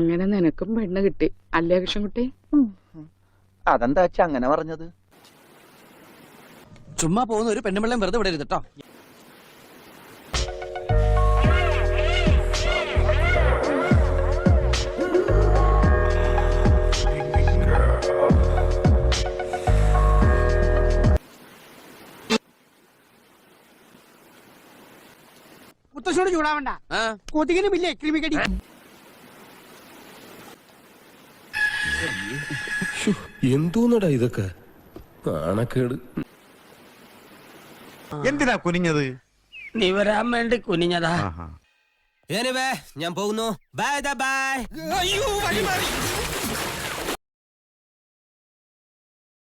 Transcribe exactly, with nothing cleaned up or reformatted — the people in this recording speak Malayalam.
അങ്ങനെ നിനക്കും പെണ്ണ് കിട്ടി അല്ലേ കൃഷ്ണൻകുട്ടി? അതെന്താ അച്ഛ അങ്ങനെ പറഞ്ഞത്? ചുമ്മാ പോകുന്ന ഒരു പെണ്ണുമ്പിള്ളം വെറുതെ വിടരുത് കേട്ടോ. മുത്തശ്ശോട് ചൂടാവണ്ട, കൊതുകിനും ഇല്ലേ ക്രിമികടി. എന്തോന്നടാ ഇതൊക്കെ നാണക്കേട്. എന്തിനാ കുനിഞ്ഞത്? നീ വരാൻ വേണ്ടി കുനിഞ്ഞതാ. ഞാൻ പോകുന്നു. Bye bye. അയ്യോ വഴി മാറി.